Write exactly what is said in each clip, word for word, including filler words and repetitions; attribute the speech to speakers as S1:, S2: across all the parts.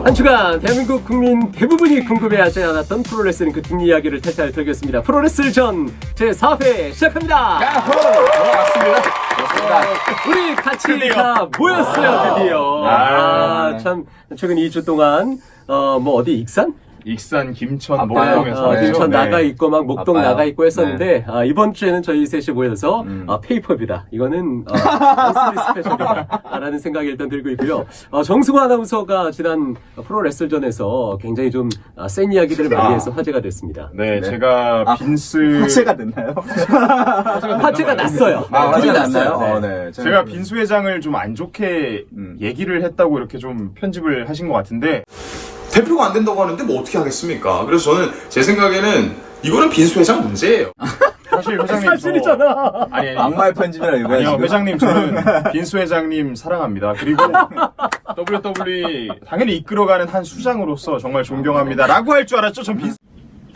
S1: 한 주간 대한민국 국민 대부분이 궁금해하지 않았던 프로레슬링 그 뒷이야기를 탈탈 털겠습니다. 프로레슬전 제사 회 시작합니다.
S2: 야호! 맞습니다.
S1: 아, 우리 같이
S2: 드디어.
S1: 다 모였어요, 드디어.
S2: 아.
S1: 아, 참, 최근 이 주 동안, 어, 뭐, 어디, 익산?
S2: 익산, 김천,
S3: 바빠요.
S2: 목동에서
S1: 어, 김천
S2: 네.
S1: 나가 있고, 막, 목동
S3: 바빠요.
S1: 나가 있고 했었는데, 아, 이번 주에는 저희 셋이 모여서,
S3: 음.
S1: 아, 페이퍼비다. 이거는, 어, 원스리 스페셜이다. 라는 생각이 일단 들고 있고요. 어, 정승호 아나운서가 지난 프로레슬전에서 굉장히 좀, 아, 센 이야기들을 많이 해서 화제가 됐습니다.
S2: 네,
S3: 네.
S2: 제가
S3: 아,
S2: 빈스
S3: 화제가 됐나요?
S1: 화제가 났어요.
S3: 아,
S1: 둘이
S3: 화제가
S1: 났어요.
S3: 났나요?
S1: 네.
S3: 어, 네.
S2: 제가 빈수 회장을 좀 안 좋게
S3: 음.
S2: 얘기를 했다고 이렇게 좀 편집을 하신 것 같은데
S4: 대표가 안 된다고 하는데 뭐 어떻게 하겠습니까? 그래서 저는 제 생각에는 이거는 빈수 회장 문제예요.
S2: 사실 회장님
S1: 사실이잖아.
S2: 저... 아니 아니
S3: 악마의 편집이라 이거야
S2: 아니요
S3: 지금.
S2: 회장님 저는 빈수 회장님 사랑합니다. 그리고 더블유 더블유 이 당연히 이끌어가는 한 수장으로서 정말 존경합니다 라고 할 줄 알았죠. 전 빈수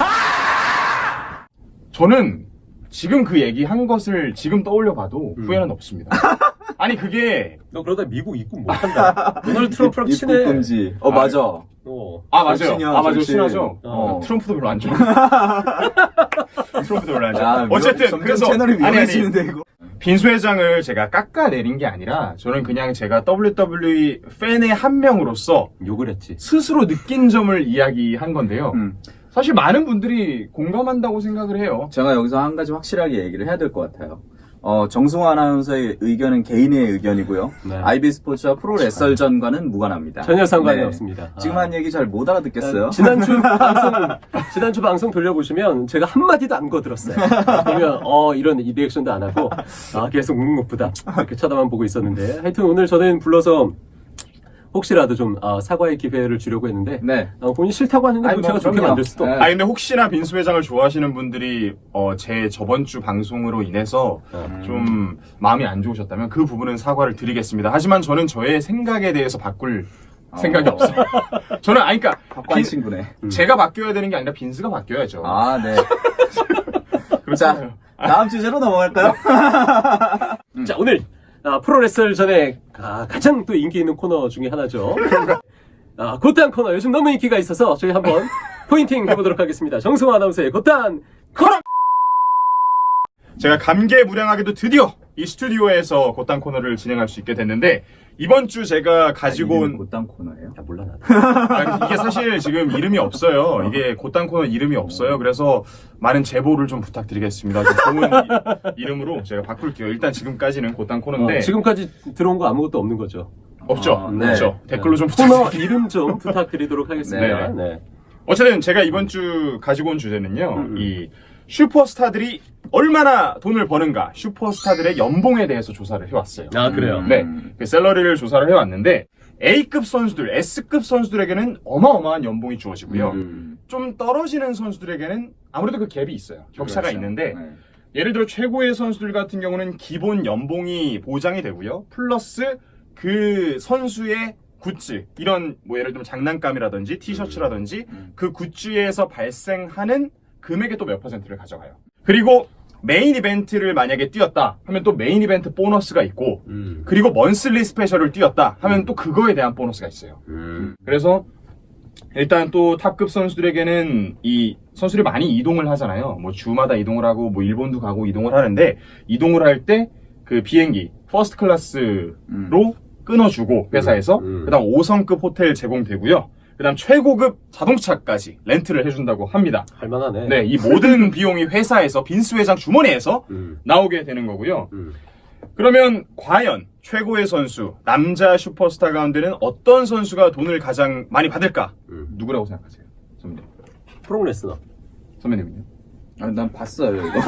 S2: 저는 지금 그 얘기 한 것을 지금 떠올려 봐도 후회는 없습니다. 아니 그게
S1: 너 그러다 미국 입국 못한다. 도널드 트럼프랑 친해.
S3: 입국 금지. 어,
S2: 아,
S3: 맞아.
S1: 어.
S2: 아 맞아요.
S3: 절친이야,
S2: 아 맞아요.
S3: 절친.
S2: 친하죠.
S3: 어.
S2: 트럼프도 별로 안 좋아. 트럼프도 별로 안 좋아.
S3: 야,
S2: 어쨌든
S3: 점점
S2: 그래서
S3: 채널이
S2: 아니 아니
S3: 위험해지는데 이거.
S2: 빈수 회장을 제가 깎아내린 게 아니라 저는 그냥 제가 더블유 더블유 이 팬의 한 명으로서
S1: 욕을 했지.
S2: 스스로 느낀 점을 이야기한 건데요.
S3: 음.
S2: 사실 많은 분들이 공감한다고 생각을 해요.
S3: 제가 여기서 한 가지 확실하게 얘기를 해야 될 것 같아요. 어, 정승호 아나운서의 의견은 개인의 의견이고요.
S1: 네.
S3: 아이비스포츠와 프로레슬전과는 무관합니다.
S1: 전혀 상관이
S3: 네.
S1: 없습니다.
S3: 지금
S1: 아.
S3: 한 얘기 잘 못 알아듣겠어요?
S1: 지난주 방송, 지난주 방송 돌려보시면 제가 한마디도 안 거들었어요. 그러면, 어, 이런 이 리액션도 안 하고, 아, 계속 묵묵부답. 이렇게 쳐다만 보고 있었는데. 하여튼 오늘 저는 불러서 혹시라도 좀, 아, 사과의 기회를 주려고 했는데,
S3: 네.
S1: 어, 본인 싫다고 하는데
S3: 아니,
S1: 뭐 제가
S3: 뭐,
S1: 좋게
S3: 그럼요.
S1: 만들 수도.
S3: 네.
S2: 아 근데 혹시나 빈수 회장을 좋아하시는 분들이 어, 제 저번 주 방송으로 인해서
S3: 음.
S2: 좀 마음이 안 좋으셨다면 그 부분은 사과를 드리겠습니다. 하지만 저는 저의 생각에 대해서 바꿀 생각이
S3: 어.
S2: 없어요. 저는 아니 그러니까
S3: 박관
S2: 빈-
S3: 친구네.
S2: 제가 바뀌어야 되는 게 아니라 빈스가 바뀌어야죠.
S3: 아, 네.
S2: 그렇잖아요.
S3: 자, 다음 주제로 넘어갈까요?
S1: 자, 오늘, 아, 프로레슬 전에, 아, 가장 또 인기 있는 코너 중에 하나죠. 아, 곧단 코너. 요즘 너무 인기가 있어서 저희 한번 포인팅 해보도록 하겠습니다. 정승호 아나운서의 곧단 코너!
S2: 제가 감개무량하게도 드디어 이 스튜디오에서 곧단 코너를 진행할 수 있게 됐는데 이번 주 제가 가지고
S3: 이름이
S2: 온
S3: 곧단 코너예요?
S1: 야, 몰라, 나도.
S2: 아니, 이게 사실 지금 이름이 없어요. 이게 곧단 코너 이름이 없어요. 그래서 많은 제보를 좀 부탁드리겠습니다. 좀 좋은 이, 이름으로 제가 바꿀게요. 일단 지금까지는 곧단 코너인데
S1: 어, 지금까지 들어온 거 아무것도 없는 거죠.
S2: 없죠.
S3: 어, 네.
S2: 없죠. 댓글로 좀
S1: 코너
S2: 부탁드릴게요.
S1: 이름 좀 부탁드리도록 하겠습니다.
S2: 네.
S1: 네.
S2: 어쨌든 제가 이번 주 가지고 온 주제는요.
S1: 음.
S2: 이 슈퍼스타들이 얼마나 돈을 버는가, 슈퍼스타들의 연봉에 대해서 조사를 해왔어요.
S1: 아, 그래요?
S2: 네, 그 셀러리를 조사를 해왔는데 A급 선수들, S급 선수들에게는 어마어마한 연봉이 주어지고요.
S3: 음.
S2: 좀 떨어지는 선수들에게는 아무래도 그 갭이 있어요. 격차가
S3: 그렇죠.
S2: 있는데
S3: 네.
S2: 예를 들어 최고의 선수들 같은 경우는 기본 연봉이 보장이 되고요. 플러스 그 선수의 굿즈, 이런 뭐 예를 들면 장난감이라든지 티셔츠라든지
S3: 음.
S2: 그 굿즈에서 발생하는 금액의 또 몇 퍼센트를 가져가요. 그리고 메인 이벤트를 만약에 뛰었다 하면 또 메인 이벤트 보너스가 있고
S1: 음.
S2: 그리고 먼슬리 스페셜을 뛰었다 하면 또 그거에 대한 보너스가 있어요.
S1: 음.
S2: 그래서 일단 또 탑급 선수들에게는 이 선수들이 많이 이동을 하잖아요. 뭐 주마다 이동을 하고 뭐 일본도 가고 이동을 하는데 이동을 할 때 그 비행기 퍼스트 클래스로
S3: 음.
S2: 끊어주고 회사에서
S1: 음, 음.
S2: 그다음 오 성급 호텔 제공되고요. 그다음 최고급 자동차까지 렌트를 해준다고 합니다.
S1: 할만하네.
S2: 네, 이 모든 비용이 회사에서 빈스 회장 주머니에서
S1: 음.
S2: 나오게 되는 거고요.
S1: 음.
S2: 그러면 과연 최고의 선수, 남자 슈퍼스타 가운데는 어떤 선수가 돈을 가장 많이 받을까?
S1: 음.
S2: 누구라고 생각하세요? 선배님.
S1: 프로레슬러.
S2: 선배님은요?
S3: 아, 난 봤어요, 이거.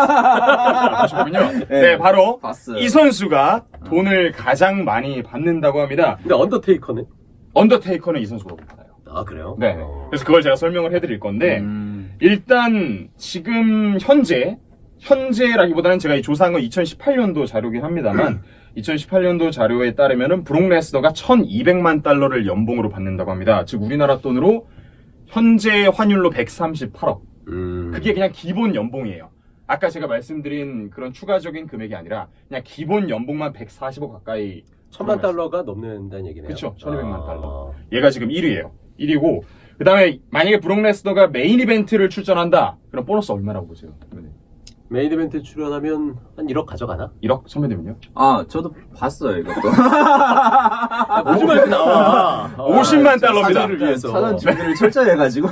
S2: 아, 보시군요. 네,
S3: 네,
S2: 바로
S3: 봤어요.
S2: 이 선수가 돈을 가장 많이 받는다고 합니다.
S1: 근데 언더테이커는?
S2: 언더테이커는 이 선수가 못 받아요.
S1: 아, 그래요?
S2: 네.
S1: 어.
S2: 그래서 그걸 제가 설명을 해드릴 건데,
S3: 음.
S2: 일단 지금 현재 현재라기보다는 제가 이 조사한 건 이천십팔 년도 자료긴 합니다만 이천십팔 년도 자료에 따르면은 브록 레스너가 천이백만 달러를 연봉으로 받는다고 합니다. 즉 우리나라 돈으로 현재 환율로 백삼십팔억.
S1: 음.
S2: 그게 그냥 기본 연봉이에요. 아까 제가 말씀드린 그런 추가적인 금액이 아니라 그냥 기본 연봉만 백사십억 가까이
S1: 천만 달러가 넘는다는 얘기네요.
S2: 그쵸, 천이백만
S1: 아.
S2: 달러. 얘가 지금 일 위예요. 일 위고 그 다음에 만약에 브록 레스너가 메인 이벤트를 출전한다. 그럼 보너스 얼마라고 보세요?
S1: 메인 이벤트 출연하면 한 일억 가져가나?
S2: 일억? 선배님은요?
S3: 아, 저도 봤어요, 이것도.
S1: 오십 만 나와.
S2: 오십만 달러입니다.
S1: 사진을 위해서.
S3: 사전 준비를 철저히 해가지고.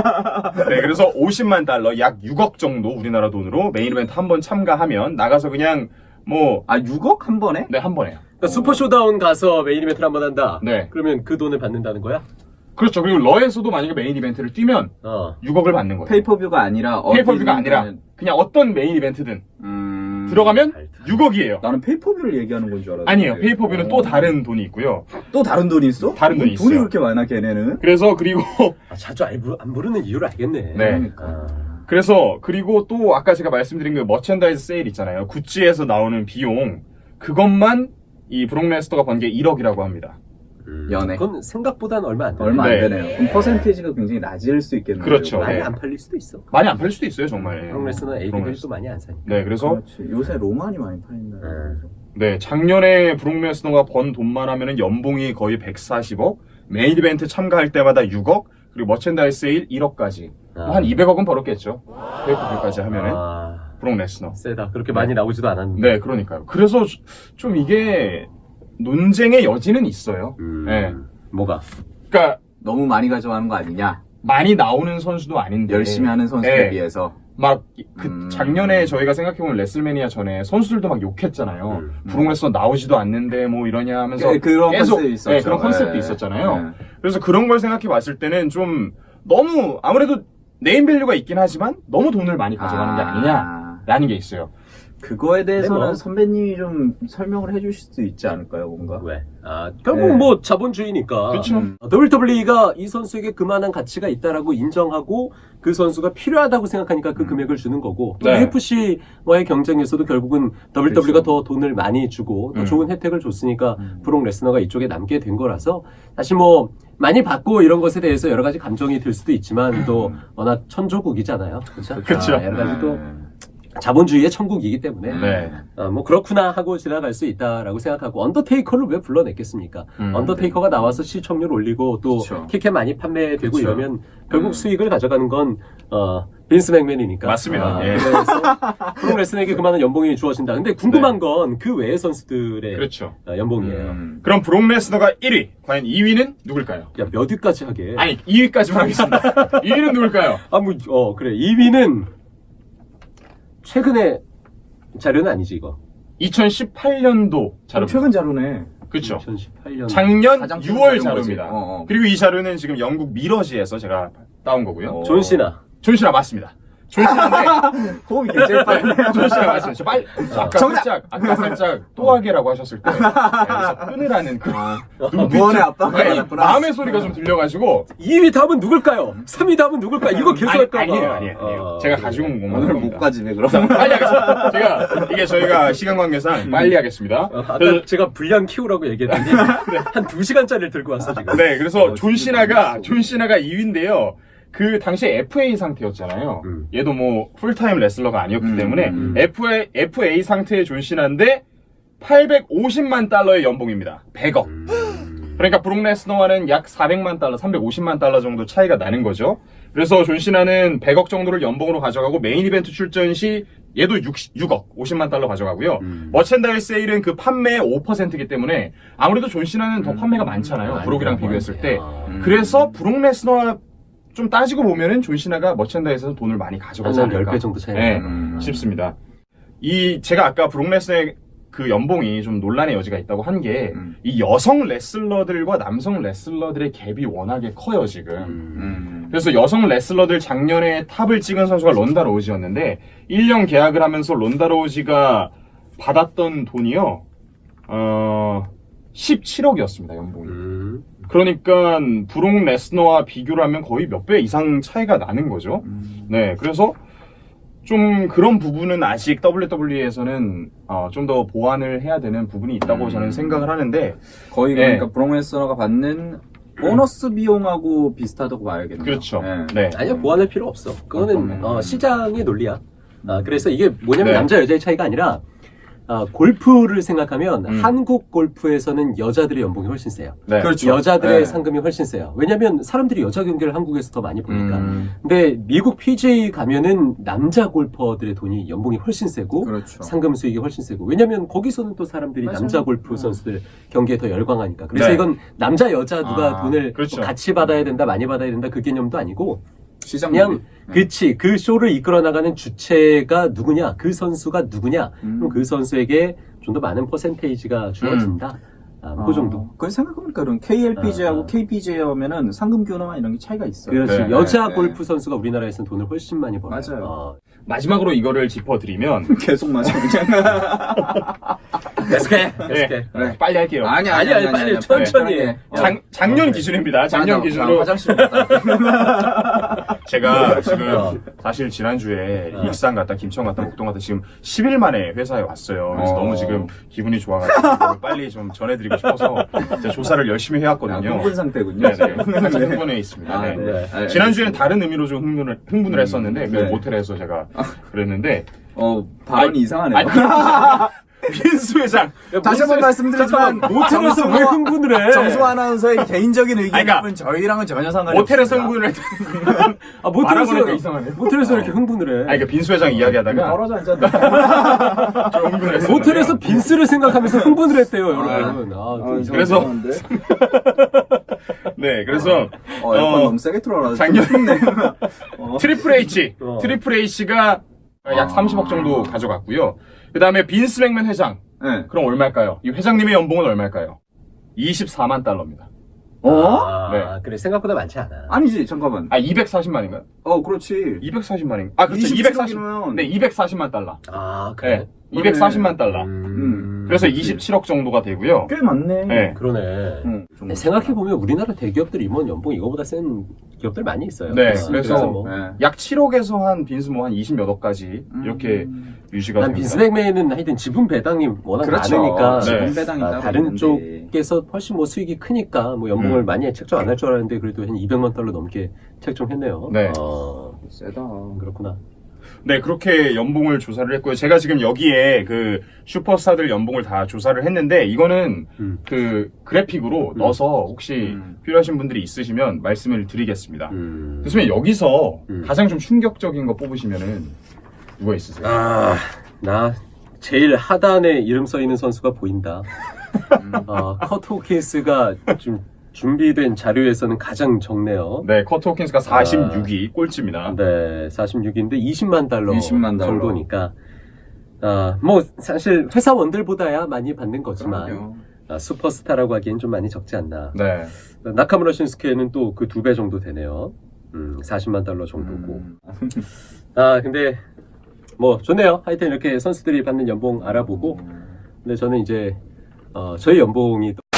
S2: 네, 그래서 오십만 달러, 약 육억 정도 우리나라 돈으로 메인 이벤트 한 번 참가하면 나가서 그냥 뭐,
S3: 아, 육억 한 번에?
S2: 네, 한 번에요.
S1: 그러니까 슈퍼 쇼다운 가서 메인 이벤트를 한 번 한다.
S2: 네.
S1: 그러면 그 돈을 받는다는 거야?
S2: 그렇죠. 그리고 러에서도 만약에 메인 이벤트를 뛰면
S1: 어.
S2: 육억을 받는 거예요.
S3: 페이퍼뷰가 아니라.
S2: 페이퍼뷰가
S3: 어디
S2: 아니라
S3: 있는
S2: 그냥 어떤 메인 이벤트든
S3: 음.
S2: 들어가면
S1: 알다.
S2: 육억이에요.
S3: 나는 페이퍼뷰를 얘기하는 건 줄 알았는데.
S2: 아니에요. 페이퍼뷰는 또 다른 돈이 있고요.
S3: 또 다른 돈이 있어?
S2: 다른 돈이
S3: 뭐 돈이
S2: 있어요.
S3: 그렇게 많아, 걔네는?
S2: 그래서 그리고
S1: 아, 자주 안, 부르, 안 부르는 이유를 알겠네.
S2: 네.
S3: 그러니까.
S1: 아.
S2: 그래서 그리고 또 아까 제가 말씀드린 그 머천다이즈 세일 있잖아요. 구찌에서 나오는 비용 그것만 이 브록 레스너가 번 게 일억이라고 합니다.
S1: 음,
S3: 연애.
S1: 그건 생각보다는 얼마 안 돼.
S3: 얼마
S2: 네.
S3: 안 되네요. 그럼 퍼센테이지가 굉장히 낮을 수 있겠네요.
S2: 그렇죠.
S1: 많이
S2: 네.
S1: 안 팔릴 수도 있어.
S2: 많이 안 팔릴 수도 있어요, 정말.
S1: 브록 레스너는
S2: 브록
S1: 에이디들이
S2: 레스너.
S1: 또 많이 안 사니까.
S2: 네, 그래서
S3: 그렇지. 요새 로만이 많이 팔린다.
S1: 음.
S2: 네, 작년에 브록 레스너가 번 돈만 하면은 연봉이 거의 백사십억, 메인 이벤트 참가할 때마다 육억, 그리고 머천다이즈 세일 일억까지.
S1: 아.
S2: 한 이백억은 벌었겠죠. 페이퍼뷰까지 하면은
S1: 아,
S2: 브록 레스너.
S1: 세다. 그렇게 많이 나오지도 않았는데.
S2: 네, 그러니까요. 그래서 좀 이게 논쟁의 여지는 있어요.
S1: 음,
S2: 네.
S1: 뭐가?
S2: 그러니까
S3: 너무 많이 가져가는 거 아니냐?
S2: 많이 나오는 선수도 아닌데
S3: 열심히 하는 선수에
S2: 네.
S3: 비해서.
S2: 막 그
S3: 음.
S2: 작년에 저희가 생각해보면 레슬매니아 전에 선수들도 막 욕했잖아요.
S1: 음.
S2: 브록 레스너 나오지도 않는데 뭐 이러냐 하면서
S3: 그- 그런
S2: 계속
S3: 컨셉이 있었죠.
S2: 네, 그런 컨셉도
S3: 네.
S2: 있었잖아요.
S3: 네.
S2: 그래서 그런 걸 생각해 봤을 때는 좀 너무 아무래도 네임밸류가 있긴 하지만 너무 돈을 많이 가져가는 게 아니냐라는 게 있어요.
S3: 그거에 대해서는
S1: 네, 뭐.
S3: 선배님이 좀 설명을 해주실 수 있지 않을까요, 뭔가?
S1: 왜? 아, 결국
S3: 네.
S1: 뭐 자본주의니까.
S2: 그렇죠.
S3: 음.
S1: 더블유더블유이가 이 선수에게 그만한 가치가 있다라고 인정하고 그 선수가 필요하다고 생각하니까 그 금액을 주는 거고 또
S2: 네.
S1: 유에프씨와의 경쟁에서도 결국은 더블유더블유이가 더 돈을 많이 주고 더
S2: 음.
S1: 좋은 혜택을 줬으니까
S3: 음.
S1: 브록 레스너가 이쪽에 남게 된 거라서 사실 뭐 많이 받고 이런 것에 대해서 여러 가지 감정이 들 수도 있지만 또 워낙 천조국이잖아요. 그렇죠?
S2: 그쵸.
S1: 아, 여러 가지 또
S3: 네.
S1: 자본주의의 천국이기 때문에
S2: 네.
S1: 아, 뭐 그렇구나 하고 지나갈 수 있다라고 생각하고 언더테이커를 왜 불러냈겠습니까?
S2: 음,
S1: 언더테이커가 나와서 시청률 올리고 또
S3: 그쵸.
S1: 키켓 많이 판매되고
S3: 그쵸.
S1: 이러면 결국
S3: 음.
S1: 수익을 가져가는 건 어, 빈스 맥맨이니까.
S2: 맞습니다.
S1: 아,
S2: 예.
S1: 그래서 브록 레스너에게 그만한 연봉이 주어진다. 근데 궁금한 건 그 외의 선수들의
S2: 그렇죠.
S1: 어, 연봉이에요.
S3: 음.
S2: 그럼 브록 레스너가 일 위, 과연 이 위는 누굴까요?
S1: 야, 몇 위까지 하게?
S2: 아니 이 위까지만 하겠습니다. 이 위는 누굴까요?
S1: 아, 뭐, 어, 그래. 이 위는 최근에 자료는 아니지, 이거.
S2: 이천십팔 년도 자료.
S3: 최근 자료네.
S2: 그렇죠.
S1: 이천십팔 년.
S2: 작년
S3: 가장 최근
S2: 유월
S3: 자료인 거지.
S2: 자료입니다.
S3: 어, 어.
S2: 그리고 이 자료는 지금 영국 미러지에서 제가 따온 거고요.
S3: 어.
S1: 존 시나.
S2: 존 씨나 맞습니다. 존 씨나인데
S3: 호흡이 굉장히 빨리.
S2: 존 씨나 맞습니다. 저 빨리 아까
S3: 정답!
S2: 살짝 아까 살짝 또 하게라고 하셨을 때 여기서 끊으라는 그
S3: 무언의 압박을
S2: 아니,
S3: 받았구나.
S2: 마음의 소리가 좀 들려가지고
S1: 이 위 다음은 누굴까요? 삼 위 다음은 누굴까요? 이거 계속
S2: 아니,
S1: 할까 봐.
S2: 아니에요, 아니에요, 아니에요.
S1: 어,
S2: 제가
S1: 그래.
S2: 가지고 온 것만
S3: 오늘
S2: 합니다.
S3: 못 가지네, 그럼.
S2: 빨리 하겠습니다. 제가 이게 저희가 시간 관계상 빨리 하겠습니다.
S1: 어, 아까
S2: 그래서
S1: 제가 분량 키우라고 얘기했더니 한 두 시간짜리를 들고 왔어 지금.
S2: 네, 그래서
S3: 어,
S2: 존
S3: 진짜
S2: 시나가
S3: 재밌어.
S2: 존 시나가 이 위인데요. 그 당시에 에프에이 상태였잖아요.
S1: 음.
S2: 얘도 뭐 풀타임 레슬러가 아니었기
S3: 음,
S2: 때문에
S3: 음.
S2: 에프에이, 에프에이 상태의 존 시나인데 팔백오십만 달러의 연봉입니다. 백억. 그러니까 브록 레스너와는 약 사백만 달러, 삼백오십만 달러 정도 차이가 나는 거죠. 그래서 존 시나는 백억 정도를 연봉으로 가져가고 메인 이벤트 출전 시 얘도 육억, 오십만 달러 가져가고요.
S1: 음.
S2: 머첸다이즈 세일은 그 판매의 오 퍼센트이기 때문에 아무래도 존 시나는 더 판매가 많잖아요.
S1: 많이
S2: 브록이랑
S1: 그런
S2: 비교했을
S1: 것
S2: 때.
S1: 같아요.
S3: 음.
S2: 그래서 브록 레스너와 좀 따지고 보면은 존 시나가 머첸다이즈에서 돈을 많이 가져가지
S1: 한
S2: 않을까
S1: 열 배 정도 차이
S2: 네,
S1: 나요.
S3: 음.
S2: 싶습니다. 이 제가 아까 브록 레스너의 그 연봉이 좀 논란의 여지가 있다고 한 게 이
S3: 음.
S2: 여성 레슬러들과 남성 레슬러들의 갭이 워낙에 커요 지금.
S3: 음.
S2: 그래서 여성 레슬러들 작년에 탑을 찍은 선수가 론다 로우지였는데 일 년 계약을 하면서 론다 로우지가 받았던 돈이요 어 십칠억이었습니다 연봉이.
S1: 음.
S2: 그러니까 브록 레스너와 비교를 하면 거의 몇 배 이상 차이가 나는 거죠.
S3: 음.
S2: 네, 그래서 좀 그런 부분은 아직 더블유더블유이에서는 어, 좀 더 보완을 해야 되는 부분이 있다고
S3: 음.
S2: 저는 생각을 하는데
S3: 거의
S2: 네.
S3: 그러니까 브록 레스너가 받는 보너스 비용하고 비슷하다고 봐야겠네요.
S2: 그렇죠.
S3: 네.
S2: 네.
S1: 아니요, 보완할 필요 없어. 그거는
S3: 어떤
S1: 어, 시장의 논리야. 아, 그래서 이게 뭐냐면
S2: 네.
S1: 남자 여자의 차이가 아니라 어, 골프를 생각하면
S2: 음.
S1: 한국 골프에서는 여자들의 연봉이 훨씬 세요.
S2: 네.
S3: 그렇죠.
S1: 여자들의
S3: 네.
S1: 상금이 훨씬 세요. 왜냐면 사람들이 여자 경기를 한국에서 더 많이 보니까.
S3: 음,
S1: 근데 미국 피지에이 가면은 남자 골퍼들의 돈이 연봉이 훨씬 세고
S3: 그렇죠.
S1: 상금 수익이 훨씬 세고. 왜냐면 거기서는 또 사람들이
S3: 맞아요.
S1: 남자 골프 선수들 경기에 더 열광하니까. 그래서
S2: 네.
S1: 이건 남자 여자 누가
S3: 아,
S1: 돈을
S2: 그렇죠.
S1: 뭐 같이 받아야 된다, 많이 받아야 된다 그 개념도 아니고
S3: 시장
S1: 그냥
S3: 논리. 네.
S1: 그치 그 쇼를 이끌어 나가는 주체가 누구냐, 그 선수가 누구냐,
S3: 음.
S1: 그럼 그 선수에게 좀 더 많은 퍼센테이지가 주어진다. 아, 그 정도.
S3: 그 생각해보니까 그럼 케이엘피지에이하고
S1: 아.
S3: 케이피지에이 하면은 상금 규모나 이런 게 차이가 있어요.
S1: 그렇지.
S2: 네,
S1: 여자
S3: 네,
S1: 골프 선수가 우리나라에서는 돈을 훨씬 많이 벌어요.
S3: 맞아요.
S1: 어.
S2: 마지막으로 이거를 짚어드리면
S3: 계속 맞아 그냥.
S1: 계속해.
S2: 네.
S1: 계속해.
S3: 네.
S2: 빨리 할게요.
S3: 아니
S1: 아니, 아니, 빨리 천천히 해.
S3: 어.
S2: 작, 작년
S1: 어,
S2: 기준입니다. 작년
S3: 맞아,
S2: 기준으로
S3: 화장실 갔다.
S2: 제가 지금
S1: 어.
S2: 사실 지난주에
S1: 어.
S2: 익산 갔다 김천 갔다 목동 갔다 지금 십 일 만에 회사에 왔어요. 그래서
S3: 어.
S2: 너무 지금 기분이 좋아가지고 빨리 좀 전해드리고 싶어서 제가 조사를 열심히
S3: 아,
S2: 해왔거든요.
S3: 흥분 상태군요.
S2: 네, 네. 살짝 흥분해 있습니다.
S3: 아,
S2: 네.
S3: 네. 아,
S2: 지난주에는 다른 의미로 좀 흥분을, 흥분을
S3: 음,
S2: 했었는데, 그
S3: 네.
S2: 모텔에서 제가 그랬는데,
S3: 어, 발언이
S2: 아니,
S3: 이상하네요.
S2: 아니, 빈수 회장!
S3: 다시 한번 말씀드리지만
S1: 모텔에서 왜 흥분을 해?
S3: 정수 아나운서의 개인적인 의견일
S2: 아니, 그러니까
S3: 뿐 저희랑은 전혀 상관이
S2: 모텔에서
S3: 없습니다.
S2: 흥분을 했다는
S1: 아, 모텔에서,
S2: 말아보니까 이상하네.
S1: 모텔에서 이렇게 흥분을 해.
S2: 아니, 그러니까 빈수 회장 이야기하다가
S3: 떨어져 앉았다.
S2: 좀 흥분을 했어요.
S1: 모텔에서 빈스를 생각하면서 흥분을 했대요,
S3: 아,
S1: 여러분. 아, 좀 이상해.
S2: 그래서-
S3: 이상한데?
S2: 네, 그래서,
S3: 어, 에어컨
S2: 어,
S3: 너무 세게 틀어놔서
S2: 작년-
S3: 좀 춥네. 어.
S2: 트리플 H,
S1: 어.
S2: 트리플 H가 약
S3: 아.
S2: 삼십억 정도 가져갔고요. 그 다음에 빈스 맥맨 회장.
S3: 네.
S2: 그럼 얼마일까요? 이 회장님의 연봉은 얼마일까요? 이십사만 달러입니다.
S3: 어?
S1: 아,
S2: 네.
S1: 그래, 생각보다 많지 않아.
S3: 아니지, 잠깐만.
S2: 아, 이백사십만인가요?
S3: 어, 그렇지.
S2: 이백사십만인가? 아, 그렇죠.
S3: 이십칠억이면
S2: 이백사십. 네, 이백사십만 달러.
S1: 아,
S2: 네,
S1: 그래.
S2: 이백사십만 달러.
S1: 음,
S2: 그래서
S3: 그렇지.
S2: 이십칠억 정도가 되고요.
S3: 꽤 많네.
S2: 네.
S1: 그러네.
S3: 응, 좀
S1: 네, 생각해보면 우리나라 대기업들 임원 연봉 이거보다 센 기업들 많이 있어요.
S2: 네,
S1: 아,
S2: 그래서
S1: 뭐.
S3: 네.
S2: 약 칠억에서 한 빈스 뭐 한 이십몇 억까지 이렇게
S3: 음.
S2: 유지가
S1: 난
S2: 됩니다.
S1: 빈스맥맨은 하여튼 지분 배당이 워낙
S3: 그렇죠.
S1: 많으니까
S2: 네.
S3: 지분 배당이
S1: 아,
S3: 따로
S1: 다른
S3: 있는데.
S1: 쪽에서 훨씬 뭐 수익이 크니까 뭐 연봉을
S2: 음.
S1: 많이 책정 안 할 줄 알았는데 그래도 한 이백만 달러 넘게 책정했네요.
S2: 네.
S1: 어,
S3: 세다.
S1: 그렇구나.
S2: 네, 그렇게 연봉을 조사를 했고요. 제가 지금 여기에 그 슈퍼스타들 연봉을 다 조사를 했는데 이거는
S1: 음.
S2: 그 그래픽으로 넣어서 혹시
S3: 음.
S2: 필요하신 분들이 있으시면 말씀을 드리겠습니다.
S1: 음.
S2: 교수님 여기서
S1: 음.
S2: 가장 좀 충격적인 거 뽑으시면은 누가 있으세요?
S1: 아, 나 제일 하단에 이름 써 있는 선수가 보인다. 어, 커트 호킨스가 좀 준비된 자료에서는 가장 적네요.
S2: 네, 커트 호킨스가 사십육 위 꼴찌입니다.
S1: 네, 사십육 위인데 이십만 달러
S3: 이십만 달러.
S1: 정도니까. 아, 뭐 사실 회사원들보다야 많이 받는 거지만
S3: 그럼요.
S1: 아, 슈퍼스타라고 하기엔 좀 많이 적지 않나.
S2: 네.
S1: 나카무라 신스케는 또 그 두 배 정도 되네요. 음, 사십만 달러 정도고.
S3: 음.
S1: 아, 근데 뭐 좋네요. 하여튼 이렇게 선수들이 받는 연봉 알아보고. 근데 저는 이제 어, 저희 연봉이 또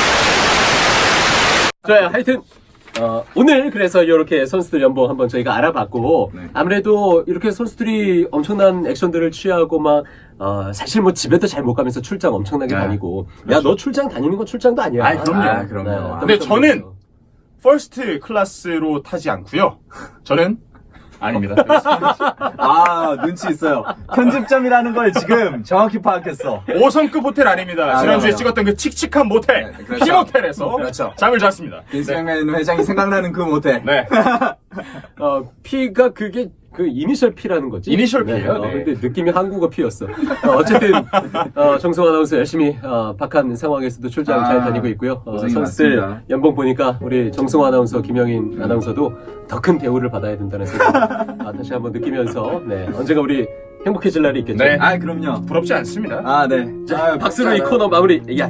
S1: 좋아요. 하여튼 어, 오늘 그래서 이렇게 선수들 연봉 한번 저희가 알아봤고
S3: 네.
S1: 아무래도 이렇게 선수들이 엄청난 액션들을 취하고 막 어, 사실 뭐 집에도 잘 못 가면서 출장 엄청나게
S3: 네.
S1: 다니고 야 너 출장 다니는 건 출장도 아니야.
S2: 아이, 그럼요.
S3: 아, 그럼요.
S2: 근데 저는 퍼스트 클래스로 타지 않고요. 저는 아닙니다.
S3: 아, 눈치 있어요. 편집점이라는 걸 지금 정확히 파악했어.
S2: 오 성급 호텔 아닙니다.
S3: 아,
S2: 지난주에
S3: 맞아요.
S2: 찍었던 그 칙칙한 모텔,
S3: 네, 그렇죠.
S2: 피모텔에서
S3: 그렇죠.
S2: 잠을 잤습니다.
S3: 빈스맥맨 회장이 생각나는 그 모텔.
S2: 네.
S1: 어, P가 그게 그 이니셜 P라는 거지?
S2: 이니셜 P예요,
S1: 어,
S2: 네.
S1: 근데 느낌이 한국어 P였어. 어, 어쨌든 어, 정승 아나운서 열심히 어, 박한 상황에서도 출장
S3: 아,
S1: 잘 다니고 있고요. 어,
S3: 고생이
S1: 선수들
S3: 많습니다.
S1: 연봉 보니까 우리 정승 아나운서, 김영인 아나운서도 더 큰 대우를 받아야 된다는 생각 아, 다시 한번 느끼면서 네, 언젠가 우리 행복해질 날이 있겠죠.
S2: 네.
S3: 아, 그럼요.
S2: 부럽지 않습니다.
S3: 아, 네.
S1: 자,
S3: 아,
S1: 박수로 이
S3: 진짜요.
S1: 코너 마무리. 야.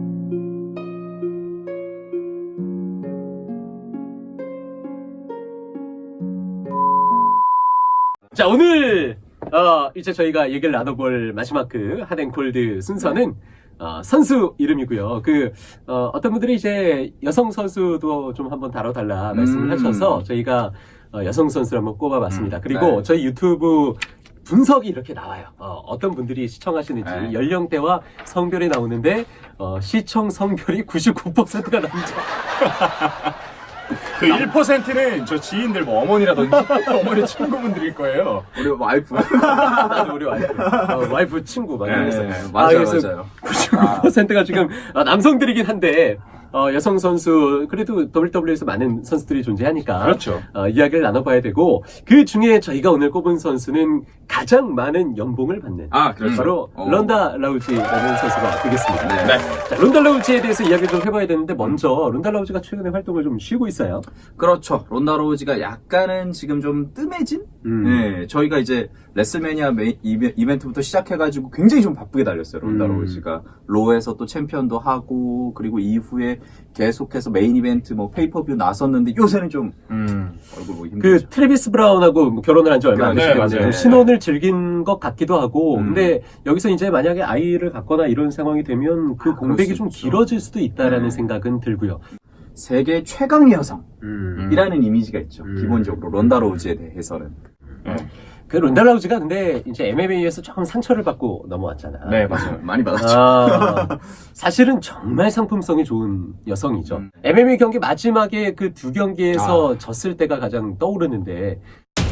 S1: 자, 오늘 어, 이제 저희가 얘기를 나눠볼 마지막 그 핫앤콜드 순서는 어, 선수 이름이고요. 그 어, 어떤 분들이 이제 여성 선수도 좀 한번 다뤄달라 말씀을
S3: 음.
S1: 하셔서 저희가 어, 여성 선수를 한번 꼽아봤습니다. 그리고
S3: 네.
S1: 저희 유튜브 분석이 이렇게 나와요. 어, 떤 분들이 시청하시는지
S3: 네.
S1: 연령대와 성별이 나오는데 어, 시청 성별이 구십구 퍼센트가 남자.
S2: 그 일 퍼센트는 저 지인들 뭐 어머니라든지 어머니 친구분들일 거예요.
S3: 우리 와이프.
S1: 나도 우리 와이프, 어, 와이프 친구 많이
S2: 네,
S1: 있어요.
S2: 네,
S3: 맞아요,
S1: 그래서
S3: 맞아요.
S1: 구십구 퍼센트가 지금 아, 남성들이긴 한데 어, 여성 선수 그래도 더블유더블유이에서 많은 선수들이 존재하니까
S2: 그렇죠.
S1: 어, 이야기를 나눠봐야 되고 그 중에 저희가 오늘 꼽은 선수는 가장 많은 연봉을 받는
S3: 아, 그렇죠.
S1: 바로
S3: 어.
S1: 런다 라우지라는 선수가 되겠습니다.
S3: 네.
S2: 네.
S1: 자, 론다 라우지에 대해서 이야기를 좀 해봐야 되는데 먼저 론다 라우지가 최근에 활동을 좀 쉬고 있어요.
S3: 그렇죠. 론다 로우지가 약간은 지금 좀 뜸해진?
S1: 음.
S3: 네, 저희가 이제 레슬매니아 메이, 이베, 이벤트부터 시작해가지고 굉장히 좀 바쁘게 달렸어요. 론다
S1: 음.
S3: 로우지가. 로에서 또 챔피언도 하고, 그리고 이후에 계속해서 메인 이벤트 뭐 페이퍼뷰 나섰는데 요새는 좀
S2: 음.
S3: 얼굴 보기
S1: 그
S3: 힘들죠.
S1: 트래비스 브라운하고 뭐 결혼을 한 지 얼마 안
S2: 네,
S1: 됐기 때문에
S2: 맞아요.
S1: 좀 신혼을 즐긴 것 같기도 하고
S3: 음.
S1: 근데 여기서 이제 만약에 아이를 갖거나 이런 상황이 되면 그
S3: 아,
S1: 공백이
S3: 그럴 수
S1: 좀
S3: 있죠.
S1: 길어질 수도 있다라는
S3: 네.
S1: 생각은 들고요.
S3: 세계 최강의 여성이라는
S1: 음.
S3: 이미지가 있죠.
S1: 음.
S3: 기본적으로 론다 로우지에 대해서는.
S1: 그 론다 라우지가 근데 이제 엠엠에이에서 조금 상처를 받고 넘어왔잖아.
S2: 네, 맞아요.
S3: 많이 받았죠.
S1: 아, 사실은 정말 상품성이 좋은 여성이죠.
S3: 음.
S1: 엠엠에이 경기 마지막에 그 두 경기에서
S3: 아.
S1: 졌을 때가 가장 떠오르는데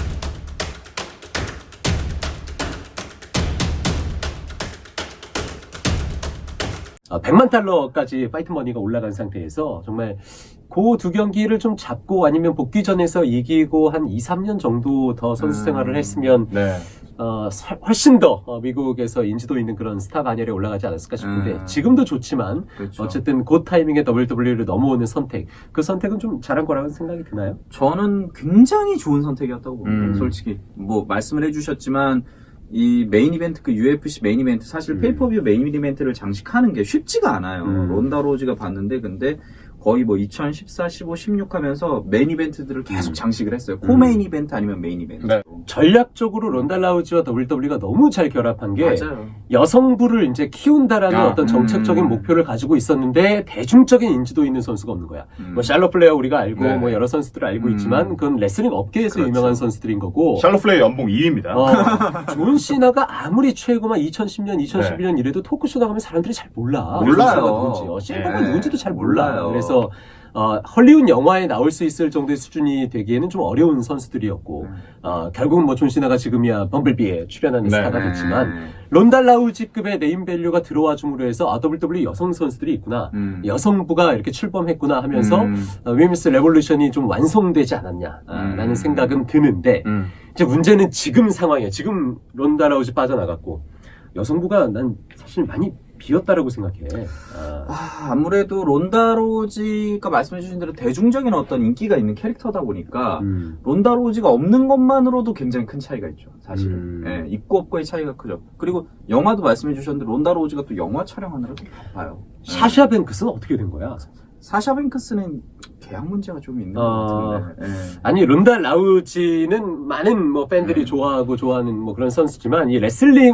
S1: 어, 백만 달러까지 파이트 머니가 올라간 상태에서 정말 그 두 경기를 좀 잡고 아니면 복귀전에서 이기고 한 이, 삼 년 정도 더 선수
S3: 음.
S1: 생활을 했으면
S2: 네.
S1: 어, 서- 훨씬 더 어, 미국에서 인지도 있는 그런 스타 반열에 올라가지 않았을까 싶은데
S3: 음.
S1: 지금도 좋지만
S3: 그렇죠.
S1: 어쨌든 그 타이밍에 더블유더블유이를 넘어오는 선택 그 선택은 좀 잘한 거라는 생각이 드나요?
S3: 저는 굉장히 좋은 선택이었다고 봅니다.
S2: 음.
S3: 솔직히 뭐 말씀을 해주셨지만 이 메인 이벤트 그 유에프씨 메인 이벤트 사실
S1: 음.
S3: 페이퍼뷰 메인 이벤트를 장식하는 게 쉽지가 않아요.
S1: 음.
S3: 론다 로우지가 봤는데 근데 거의 뭐 이천십사, 십오, 십육 하면서 메인 이벤트들을 계속
S1: 음.
S3: 장식을 했어요.
S1: 음.
S3: 코메인 이벤트 아니면 메인 이벤트.
S2: 네.
S1: 전략적으로 론다 라우지와 더블유더블유이가 너무 잘 결합한 게
S3: 맞아요.
S1: 여성부를 이제 키운다라는
S2: 아,
S1: 어떤 정책적인
S3: 음.
S1: 목표를 가지고 있었는데 대중적인 인지도 있는 선수가 없는 거야.
S3: 음.
S1: 뭐 샬럿 플레어 우리가 알고
S2: 네.
S1: 뭐 여러 선수들을 알고
S3: 음.
S1: 있지만 그건 레슬링 업계에서
S3: 그렇죠.
S1: 유명한 선수들인 거고
S2: 샬롯 플레이 연봉 이 위입니다.
S1: 어, 존 시나가 아무리 최고만 이천십 년, 이천십일 년 이래도 토크쇼 나가면 사람들이 잘 몰라.
S3: 몰라요.
S1: 존 시나가 누군지, 어, 셰이버가
S2: 네.
S1: 누군지도 잘 몰라.
S3: 몰라요.
S1: 그래서 어, 헐리우드 영화에 나올 수 있을 정도의 수준이 되기에는 좀 어려운 선수들이었고
S3: 음.
S1: 어, 결국은 뭐 존 시나가 지금이야 범블비에 출연하는
S2: 네.
S1: 스타가 됐지만
S3: 음.
S1: 론다 라우지급의 네임밸류가 들어와 줌으로 해서 아, 더블유더블유이 여성 선수들이 있구나.
S3: 음.
S1: 여성부가 이렇게 출범했구나 하면서
S3: 음.
S1: 어, 위미스 레볼루션이 좀 완성되지 않았냐라는
S3: 음.
S1: 생각은 드는데
S2: 음.
S1: 이제 문제는 지금 상황이에요. 지금 론다 라우지 빠져나갔고 여성부가 난 사실 많이 비었다라고 생각해. 아,
S3: 아, 아무래도 론다 로우지가 말씀해주신 대로 대중적인 어떤 인기가 있는 캐릭터다 보니까
S1: 음.
S3: 론다 로우지가 없는 것만으로도 굉장히 큰 차이가 있죠. 사실은.
S1: 음.
S3: 예, 있고 없고의 차이가 크죠. 그리고 영화도 말씀해 주셨는데 론다 로우지가 또 영화 촬영하느라도 바빠요.
S1: 샤샤 뱅크스는 어떻게 된 거야?
S3: 사샤 뱅크스는 계약 문제가 좀 있는
S1: 아.
S3: 것 같은데. 예.
S1: 아니 론다 라우지는 많은 뭐 팬들이
S3: 음.
S1: 좋아하고 좋아하는 뭐 그런 선수지만 이 레슬링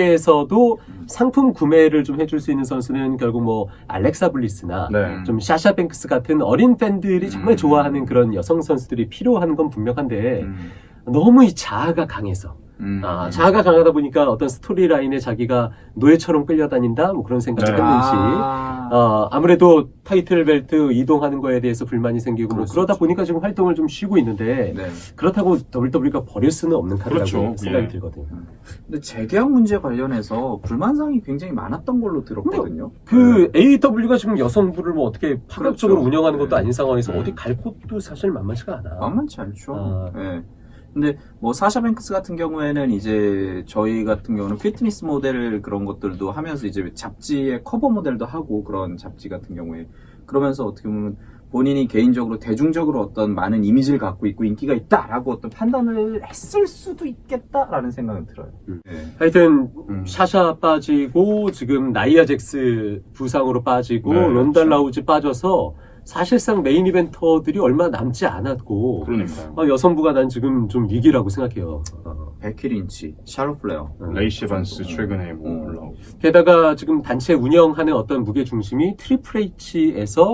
S1: 업계에서도 상품 구매를 좀 해줄 수 있는 선수는 결국 뭐 알렉사 블리스나
S2: 네.
S1: 좀 샤샤 뱅크스 같은 어린 팬들이 정말
S3: 음.
S1: 좋아하는 그런 여성 선수들이 필요한 건 분명한데
S3: 음.
S1: 너무 이 자아가 강해서
S3: 음.
S1: 아, 자아가 강하다 보니까 어떤 스토리라인에 자기가 노예처럼 끌려다닌다 뭐 그런 생각을
S2: 네.
S1: 했는지
S3: 아.
S1: 어, 아무래도 타이틀 벨트 이동하는 거에 대해서 불만이 생기고 뭐
S3: 그럴 수
S1: 그러다
S3: 있죠.
S1: 보니까 지금 활동을 좀 쉬고 있는데
S3: 네.
S1: 그렇다고 더블유더블유이가 버릴 수는 없는 카드라고
S2: 그렇죠.
S1: 생각이
S2: 예.
S1: 들거든요.
S3: 근데 재계약 문제 관련해서 불만사항이 굉장히 많았던 걸로 들었거든요.
S1: 그 에이더블유가 지금 여성부를 뭐 어떻게 파격적으로
S3: 그렇죠.
S1: 운영하는 것도
S3: 네.
S1: 아닌 상황에서
S2: 음.
S1: 어디 갈 곳도 사실 만만치가 않아.
S3: 만만치 않죠.
S1: 아.
S3: 예. 근데 뭐 사샤 뱅크스 같은 경우에는 이제 저희 같은 경우는 피트니스 모델 그런 것들도 하면서 이제 잡지의 커버 모델도 하고 그런 잡지 같은 경우에 그러면서 어떻게 보면 본인이 개인적으로 대중적으로 어떤 많은 이미지를 갖고 있고 인기가 있다라고 어떤 판단을 했을 수도 있겠다라는 생각은 들어요.
S1: 음.
S3: 예.
S1: 하여튼
S2: 음.
S1: 샤샤 빠지고 지금 나이아 잭스 부상으로 빠지고
S2: 네,
S1: 론다
S2: 그렇죠.
S1: 라우지 빠져서 사실상 메인 이벤터들이 얼마 남지 않았고
S2: 그러니까요.
S1: 어, 여성부가 난 지금 좀 위기라고 생각해요. 어.
S3: 베키 린치, 샬롯 플레어.
S2: 레이시 에반스 최근에 뭐
S3: 음.
S2: 올라오고.
S1: 게다가 지금 단체 운영하는 어떤 무게 중심이 트리플 H에서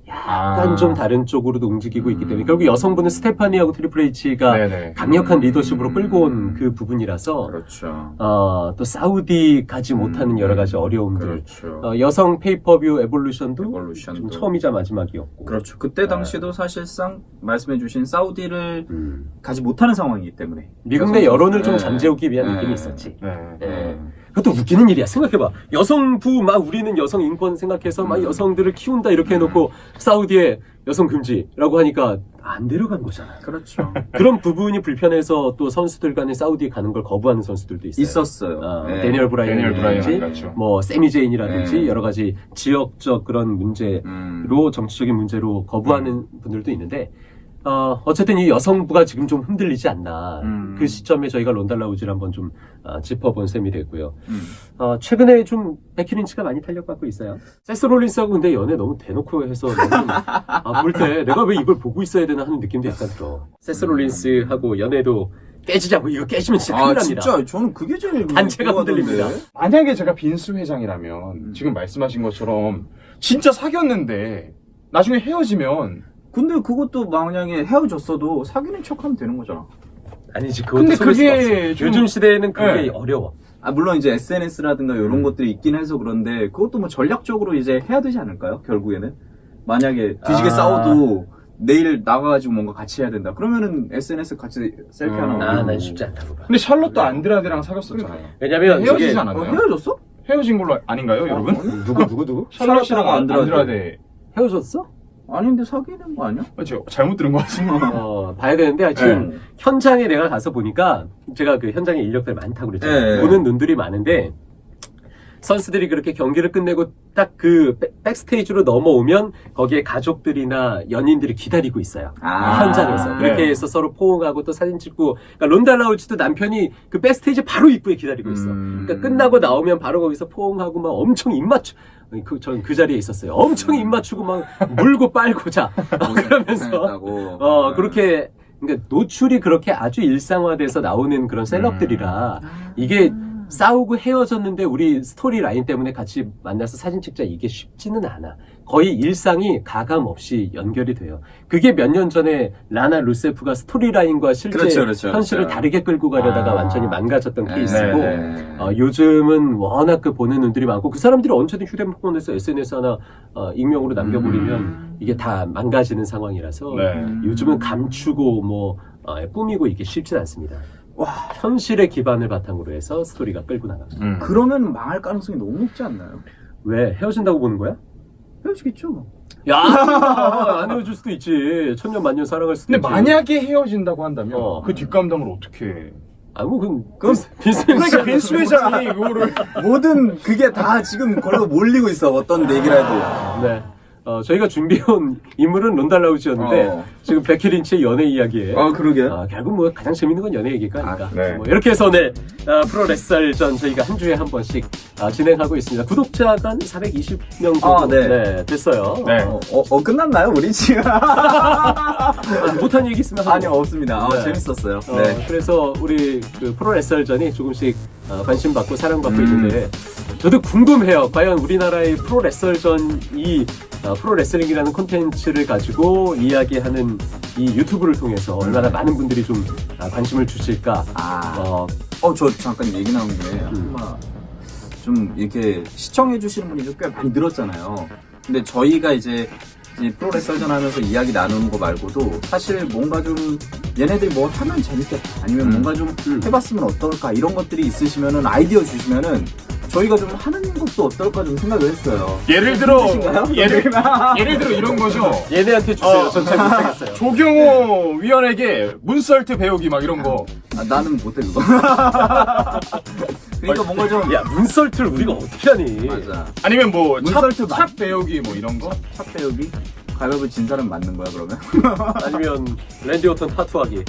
S1: 약간
S2: 아.
S1: 좀 다른 쪽으로도 움직이고 있기 때문에 결국 여성분은 스테파니하고 트리플 H가
S2: 네네.
S1: 강력한 리더십으로 끌고 온 그 부분이라서
S3: 그렇죠.
S1: 어, 또 사우디 가지 못하는 여러 가지 어려움들
S3: 그렇죠.
S1: 어, 여성 페이퍼뷰 에볼루션도
S3: 에볼루션도.
S1: 좀 처음이자 마지막이었고
S3: 그렇죠. 그때 당시도 사실상 말씀해주신 사우디를
S1: 음.
S3: 가지 못하는 상황이기 때문에
S1: 미국 내 여론을 좀
S3: 네.
S1: 잠재우기 위한
S3: 네.
S1: 느낌이 있었지.
S2: 네.
S1: 예. 그것도 웃기는 일이야. 생각해봐. 여성부 막 우리는 여성 인권 생각해서 막
S3: 음.
S1: 여성들을 키운다 이렇게 해놓고 사우디에 여성 금지라고 하니까 안 데려간 거잖아.
S3: 그렇죠.
S1: 그런 부분이 불편해서 또 선수들 간에 사우디에 가는 걸 거부하는 선수들도 있어요.
S3: 있었어요.
S1: 어,
S3: 네.
S1: 데니얼
S2: 데니얼
S1: 브라이언이라든지
S2: 브라이언 같죠.
S1: 뭐 세미 제인이라든지
S3: 네.
S1: 여러 가지 지역적 그런 문제로
S3: 음.
S1: 정치적인 문제로 거부하는 분들도 있는데 어, 어쨌든 이 여성부가 지금 좀 흔들리지 않나.
S3: 음.
S1: 그 시점에 저희가 론달라우즈를 한번 좀 어, 짚어본 셈이 됐고요.
S3: 음.
S1: 어, 최근에 좀 베키 린치가 많이 탄력받고 있어요. 세스 롤린스하고 근데 연애 너무 대놓고 해서 아, 볼 때 내가 왜 이걸 보고 있어야 되나 하는 느낌도 약간 들어. 세스 롤린스하고 연애도 깨지자고. 이거 깨지면 진짜 큰일
S3: 아
S1: 납니다.
S3: 진짜 저는 그게 제일
S1: 단체가
S3: 궁금하던데.
S1: 흔들립니다.
S2: 만약에 제가 빈스 회장이라면
S3: 음.
S2: 지금 말씀하신 것처럼 진짜 사귀었는데 나중에 헤어지면
S3: 근데 그것도 만약에 헤어졌어도 사귀는 척하면 되는 거잖아.
S1: 아니지. 그것도
S2: 근데
S1: 속일 수가
S2: 그게
S1: 없어.
S2: 좀-
S1: 요즘 시대에는 그게
S2: 네.
S1: 어려워.
S3: 아 물론 이제 에스엔에스라든가 이런 것들이 있긴 해서 그런데 그것도 뭐 전략적으로 이제 해야 되지 않을까요? 결국에는 만약에 뒤지게
S1: 아.
S3: 싸워도 내일 나가가지고 뭔가 같이 해야 된다. 그러면은 에스엔에스 같이 셀피 하나
S2: 음.
S3: 올리고.
S1: 아, 난 쉽지 않다고 봐.
S2: 근데 샬롯도 안드라데랑 사귀었었잖아요.
S1: 왜냐면
S2: 헤어지지
S1: 저게-
S3: 어,
S2: 않았나요?
S3: 헤어졌어?
S2: 헤어진 걸로 아닌가요, 여러분?
S1: 누구 누구 누구?
S2: 샬롯이랑
S3: 안드라데.
S2: 안드라데.
S1: 헤어졌어?
S3: 아닌데 사귀는 거 아니야?
S2: 어, 제가 잘못 들은 것 같습니다.
S1: 어, 봐야 되는데 지금
S3: 네.
S1: 현장에 내가 가서 보니까 제가 그 현장에 인력들 많다고 그랬잖아요.
S3: 네.
S1: 보는 눈들이 많은데 선수들이 그렇게 경기를 끝내고 딱 그 백스테이지로 넘어오면 거기에 가족들이나 연인들이 기다리고 있어요.
S3: 아.
S1: 현장에서 그렇게
S2: 네.
S1: 해서 서로 포옹하고 또 사진 찍고 그러니까 론달라우치도 남편이 그 백스테이지 바로 입구에 기다리고 있어.
S3: 음.
S1: 그러니까 끝나고 나오면 바로 거기서 포옹하고 막 엄청 입 맞추 그, 전 그 자리에 있었어요. 엄청 입 맞추고 막 물고 빨고 자 어, 그러면서
S3: 고생했다고.
S1: 어 그렇게 그러니까 노출이 그렇게 아주 일상화돼서 나오는 그런 셀럽들이라 이게 싸우고 헤어졌는데 우리 스토리 라인 때문에 같이 만나서 사진 찍자 이게 쉽지는 않아. 거의 일상이 가감 없이 연결이 돼요. 그게 몇 년 전에 라나 루세프가 스토리 라인과 실제
S3: 그렇죠, 그렇죠,
S1: 현실을
S3: 그렇죠.
S1: 다르게 끌고 가려다가
S2: 아.
S1: 완전히 망가졌던
S3: 네,
S1: 케이스고
S3: 네, 네.
S1: 어, 요즘은 워낙 그 보는 눈들이 많고 그 사람들이 언제든 휴대폰에서 에스엔에스 하나 어, 익명으로 남겨버리면
S3: 음.
S1: 이게 다 망가지는 상황이라서
S2: 네.
S1: 요즘은 감추고 뭐 어, 꾸미고 이게 쉽진 않습니다.
S3: 와.
S1: 현실의 기반을 바탕으로 해서 스토리가 끌고 나갑니다.
S2: 음.
S3: 그러면 망할 가능성이 너무 높지 않나요?
S1: 왜 헤어진다고 보는 거야?
S3: 헤어지겠죠.
S1: 야, 안 헤어질 수도 있지. 천년 만년 사랑할 수도
S2: 근데
S1: 있지.
S2: 만약에 헤어진다고 한다면
S1: 어.
S2: 그 뒷감당을 어떻게 해?
S1: 아, 뭐 그건
S3: 그럼-
S1: 빈스
S2: 그러니까 빈스 회장이 그거를
S3: 모든 그게 다 지금 걸로 몰리고 있어. 어떤 얘기라도.
S1: 네. 어, 저희가 준비해온 인물은 론달라우지였는데
S3: 어.
S1: 지금 베키 린치의 연애 이야기에
S3: 아 그러게.
S1: 어, 결국 뭐 가장 재밌는 건 연애 얘기가 아닐까.
S2: 아, 네.
S1: 뭐 이렇게 해서 오늘 어, 프로 레슬전 저희가 한 주에 한 번씩 어, 진행하고 있습니다. 구독자가 한 사백이십 명 정도
S3: 아, 네.
S1: 됐어요.
S2: 네.
S3: 어, 어, 어, 끝났나요 우리 지금?
S1: 아, 못한 얘기 있으면 하고.
S3: 아니요 없습니다. 아,
S1: 네.
S3: 재밌었어요.
S1: 어,
S3: 네.
S1: 그래서 우리 그 프로 레슬전이 조금씩 어, 관심받고 사랑받고
S3: 음.
S1: 있는데 저도 궁금해요. 과연 우리나라의 프로 레슬전이 어, 프로 레슬링이라는 콘텐츠를 가지고 이야기하는 이 유튜브를 통해서 얼마나 많은 분들이 좀 아, 관심을 주실까.
S3: 아,
S1: 어,
S3: 어 저 잠깐 얘기 나온 김에
S1: 음.
S3: 한마 좀 이렇게 시청해 주시는 분이 꽤 많이 늘었잖아요. 근데 저희가 이제 이 프로레슬전 하면서 이야기 나누는 거 말고도 사실 뭔가 좀 얘네들이 뭘 하면 재밌겠다 아니면
S2: 음.
S3: 뭔가 좀
S1: 음.
S3: 해봤으면 어떨까 이런 것들이 있으시면은 아이디어 주시면은 저희가 좀 하는 것도 어떨까 좀 생각을 했어요.
S2: 예를 들어
S3: 힘드신가요?
S2: 예를, 예를 들어 이런 거죠.
S1: 얘네한테 주세요.
S2: 어.
S1: 전 잘 못하겠어요.
S2: 조경호 위원에게 문설트 배우기 막 이런 거.
S3: 아, 나는 못해 그거. 그러니까 뭔가 좀
S1: 야, 문설트를 우리가 어떻게 하니?
S3: 맞아.
S2: 아니면 뭐
S3: 문설트
S2: 찹, 찹 배우기 뭐 이런 거.
S3: 차 배우기 가위바위보 진 사람 맞는 거야 그러면?
S1: 아니면 랜디 오턴 타투하기.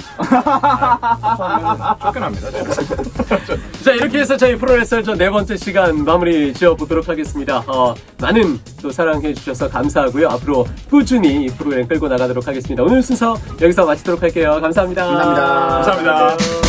S2: 하면 쫓겨납니다. 제가.
S1: 자, 이렇게 해서 저희 프로레슬전 네 번째 시간 마무리 지어보도록 하겠습니다. 어, 많은 또 사랑해 주셔서 감사하고요. 앞으로 꾸준히 이 프로그램 끌고 나가도록 하겠습니다. 오늘 순서 여기서 마치도록 할게요. 감사합니다.
S3: 감사합니다.
S2: 감사합니다.